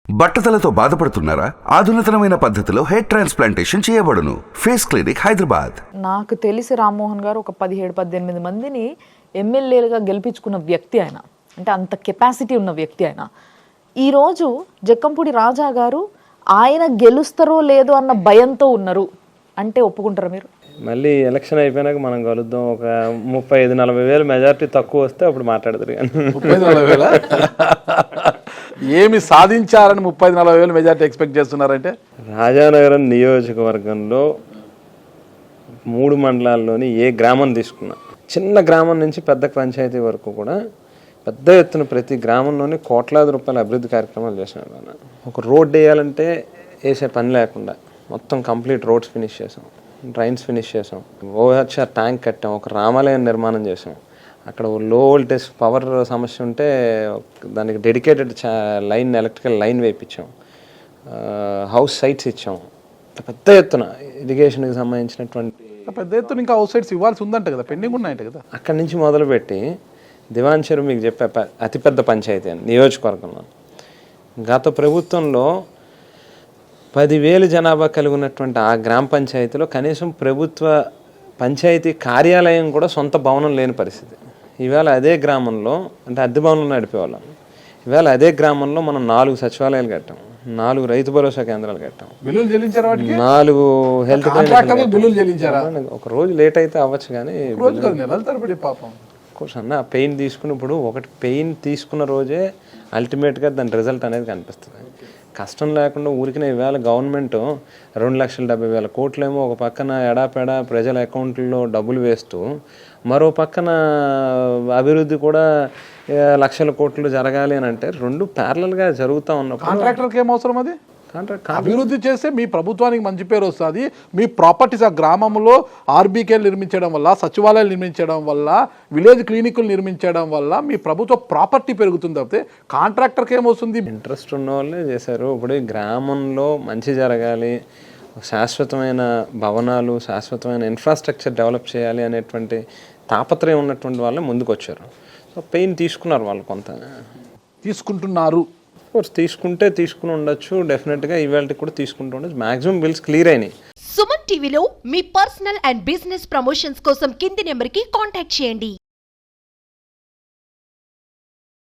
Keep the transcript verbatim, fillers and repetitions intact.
బట్టతలతో బాధపడుతున్నారా? ఆధునితనమైన పద్ధతిలో హెయిర్ ట్రాన్స్ప్లాంటేషన్ చేయబడును. Face clinic, Hyderabad. నాకు తెలిసి రామ్మోహన్ గారు ఒక పదిహేడు పద్దెనిమిది మందిని ఎమ్మెల్యేలుగా గెలిపించుకున్న వ్యక్తి ఆయన. అంటే అంత కెపాసిటీ ఉన్న వ్యక్తి ఆయన. ఈరోజు జక్కంపూడి రాజా గారు ఆయన గెలుస్తారో లేదో అన్న భయంతో ఉన్నారు అంటే ఒప్పుకుంటారా మీరు? మళ్ళీ ఎలక్షన్ అయిపోయినాక మనం కలుద్దాం. ఒక ముప్పై ఐదు నలభై వేలు మెజారిటీ తక్కువ వస్తే అప్పుడు మాట్లాడతారు. కానీ ముప్పై నలభై వేల ఏమి సాధించారని ముప్పై నలభై వేలు మెజారిటీ ఎక్స్పెక్ట్ చేస్తున్నారంటే? రాజానగరం నియోజకవర్గంలో మూడు మండలాల్లోని ఏ గ్రామం తీసుకున్నా, చిన్న గ్రామం నుంచి పెద్ద పంచాయతీ వరకు కూడా పెద్ద ఎత్తున ప్రతి గ్రామంలోని కోట్లాది రూపాయల అభివృద్ధి కార్యక్రమాలు చేసినాం. ఒక రోడ్ వేయాలంటే వేసే పని లేకుండా మొత్తం కంప్లీట్ రోడ్స్ ఫినిష్ చేసాం, డ్రైన్స్ ఫినిష్ చేసాం, ఓహెచ్ఆర్ ట్యాంక్ కట్టాం, ఒక రామాలయం నిర్మాణం చేసాం. అక్కడ లో వోల్టేజ్ పవర్ సమస్య ఉంటే దానికి డెడికేటెడ్ లైన్, ఎలక్ట్రికల్ లైన్ వేయించాం, హౌస్ సైట్స్ ఇచ్చాం. పెద్ద ఎత్తున ఇరిగేషన్కి సంబంధించినటువంటి పెద్ద ఎత్తున ఇంకా హౌస్ సైట్స్ ఇవ్వాల్సి ఉందంట కదా, పెండింగ్ ఉన్నాయంట కదా. అక్కడి నుంచి మొదలుపెట్టి దివాన్ చెరువు మీకు చెప్పే అతిపెద్ద పంచాయతీ అని నియోజకవర్గంలో. గత ప్రభుత్వంలో పదివేలు జనాభా కలిగి ఉన్నటువంటి ఆ గ్రామ పంచాయతీలో కనీసం ప్రభుత్వ పంచాయతీ కార్యాలయం కూడా సొంత భవనం లేని పరిస్థితి. ఈవేళ అదే గ్రామంలో, అంటే అద్దె భవనంలో నడిపేవాళ్ళం, ఈవేళ అదే గ్రామంలో మనం నాలుగు సచివాలయాలు కట్టాం, నాలుగు రైతు భరోసా కేంద్రాలు కట్టాం, నాలుగు హెల్త్ క్లినిక్. ఒక రోజు లేట్ అయితే అవ్వచ్చు కానీ అన్న పెయిన్ తీసుకున్నప్పుడు ఒకటి పెయిన్ తీసుకున్న రోజే అల్టిమేట్గా దాని రిజల్ట్ అనేది కనిపిస్తుంది. కష్టం లేకుండా ఊరికినే ఇవాళ గవర్నమెంట్ రెండు లక్షల డెబ్బై వేల కోట్లేమో ఒక పక్కన ఎడాపెడా ప్రజల అకౌంట్లో డబ్బులు వేస్తూ, మరో పక్కన అభివృద్ధి కూడా లక్షల కోట్లు జరగాలి అని అంటే రెండు ప్యారలల్గా జరుగుతూ ఉన్నప్పుడు కాంట్రాక్టర్కి ఏం అవసరం? అది అభివృద్ధి చేస్తే మీ ప్రభుత్వానికి మంచి పేరు వస్తుంది. మీ ప్రాపర్టీస్ ఆ గ్రామంలో ఆర్బీకేలు నిర్మించడం వల్ల, సచివాలయాలు నిర్మించడం వల్ల, విలేజ్ క్లినిక్లు నిర్మించడం వల్ల మీ ప్రభుత్వ ప్రాపర్టీ పెరుగుతుంది. తప్పితే కాంట్రాక్టర్కి ఏమవుతుంది? ఇంట్రెస్ట్ ఉన్న వాళ్ళే చేశారు. ఇప్పుడు ఈ గ్రామంలో మంచి జరగాలి, శాశ్వతమైన భవనాలు, శాశ్వతమైన ఇన్ఫ్రాస్ట్రక్చర్ డెవలప్ చేయాలి అనేటువంటి తాపత్రయం ఉన్నటువంటి వాళ్ళే ముందుకు వచ్చారు. సో పెయిన్ తీసుకున్నారు వాళ్ళు, కొంత తీసుకుంటున్నారు. కోర్స్ తీసుకుంటే తీసుకుని ఉండొచ్చు, డెఫినెట్గా ఈవేళ కూడా తీసుకుంటూ ఉండొచ్చు. మాక్సిమం బిల్స్ క్లియర్ అయినాయి. సుమన్ టీవీలో మీ పర్సనల్ అండ్ బిజినెస్ ప్రమోషన్స్ కోసం కింది నెంబర్కి కాంటాక్ట్ చేయండి.